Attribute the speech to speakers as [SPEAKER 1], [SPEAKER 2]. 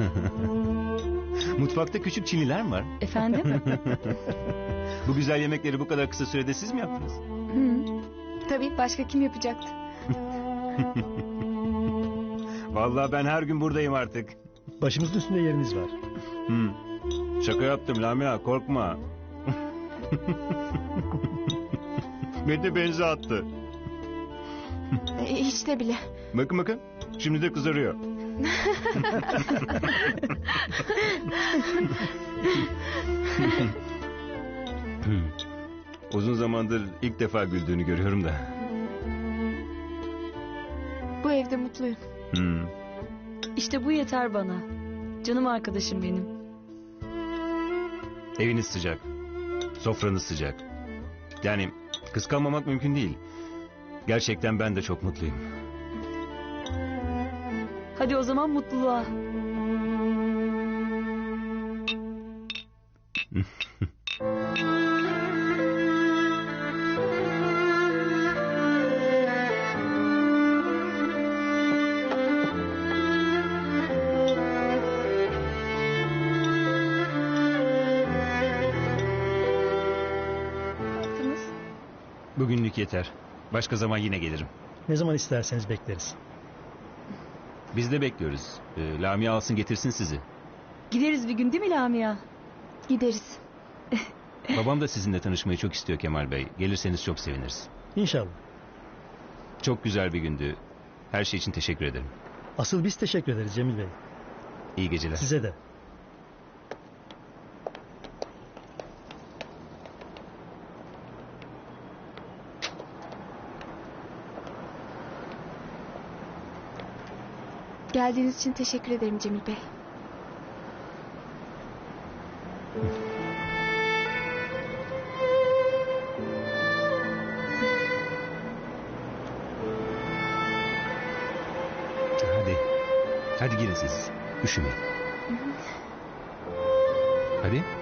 [SPEAKER 1] Mutfakta küçük Çinliler mi var?
[SPEAKER 2] Efendim?
[SPEAKER 1] Bu güzel yemekleri bu kadar kısa sürede siz mi yaptınız?
[SPEAKER 2] Hı. Tabii, başka kim yapacaktı?
[SPEAKER 1] Vallahi ben her gün buradayım artık.
[SPEAKER 3] Başımızın üstünde yeriniz var.
[SPEAKER 1] Şaka yaptım Lamia, korkma. Beni de benze attı.
[SPEAKER 2] Hiç de bile.
[SPEAKER 1] Bakın bakın, şimdi de kızarıyor. Uzun zamandır ilk defa güldüğünü görüyorum da.
[SPEAKER 2] Bu evde mutluyum.
[SPEAKER 4] İşte bu yeter bana. Canım arkadaşım benim.
[SPEAKER 1] Eviniz sıcak, sofranız sıcak. Yani kıskanmamak mümkün değil. Gerçekten ben de çok mutluyum.
[SPEAKER 4] Hadi o zaman mutluluğa.
[SPEAKER 1] Bugünlük yeter. Başka zaman yine gelirim.
[SPEAKER 3] Ne zaman isterseniz bekleriz.
[SPEAKER 1] Biz de bekliyoruz. Lamia alsın getirsin sizi.
[SPEAKER 4] Gideriz bir gün değil mi Lamia?
[SPEAKER 2] Gideriz.
[SPEAKER 1] Babam da sizinle tanışmayı çok istiyor Kemal Bey. Gelirseniz çok seviniriz.
[SPEAKER 3] İnşallah.
[SPEAKER 1] Çok güzel bir gündü. Her şey için teşekkür ederim.
[SPEAKER 3] Asıl biz teşekkür ederiz Cemil Bey.
[SPEAKER 1] İyi geceler.
[SPEAKER 3] Size de.
[SPEAKER 2] Geldiğiniz için teşekkür ederim Cemil Bey.
[SPEAKER 1] Hadi. Hadi girin siz. Üşümeyin. Hadi.